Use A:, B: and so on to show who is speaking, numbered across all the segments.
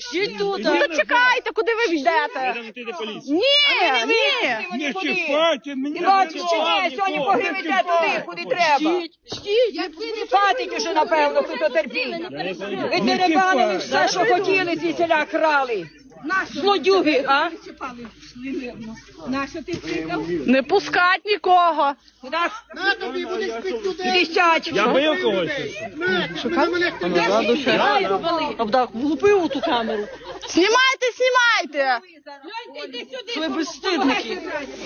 A: Жіть тут.
B: Ну то чекайте, куди ви йдете? Ні, ні.
C: Не чіпайте мене.
D: Бачиш, чи ні, сьогодні погребете туди, куди треба. Хватить уже, напевно, тут терпіння. Ви деребанили все, що хотіли, звідсіля крали. Злодюги, а?
B: Не пускать нікого.
D: Іди сядь.
C: Я бив когось.
A: Влупив у ту камеру.
B: Знімайте, знімайте.
A: Ви безстидники.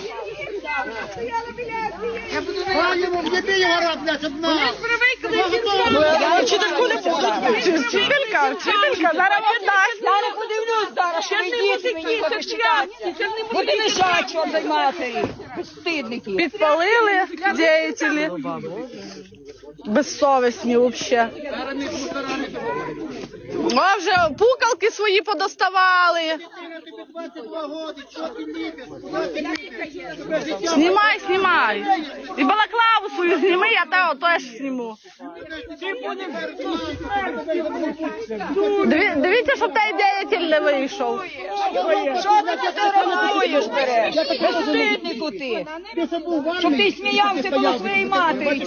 D: Я вчительку не буду.
B: Вчителька, зараз вам дасть.
D: Я не подивлюсь зараз, що ви діти мені захищатися. Буде лежать вам за матері. Безстидники.
B: Підпалили діятелі. Безсовісні взагалі. О, вже пукалки свої подоставали. Знімай, знімай. І балаклаву свою зніми, я тебе теж зніму. Дивіться, щоб той діятель не вийшов.
D: Що ти фотографуєш, береш? Безстиднику ти. Щоб ти сміявся коло своєї матері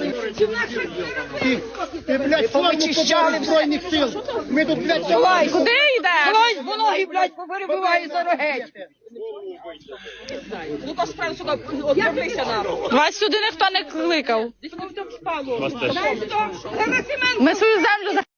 E: Ти, блядь, форму побили Збройних сил. Ми тут, блядь,
D: Давай,
B: Куди йдеш?
D: Давай, бо ноги, блядь, поперебиває за рогеть. Ну-ка, справді сюди, отправися нам.
B: Вас сюди ніхто не кликав.
D: Десь воно в тому спало.
B: Ми свою землю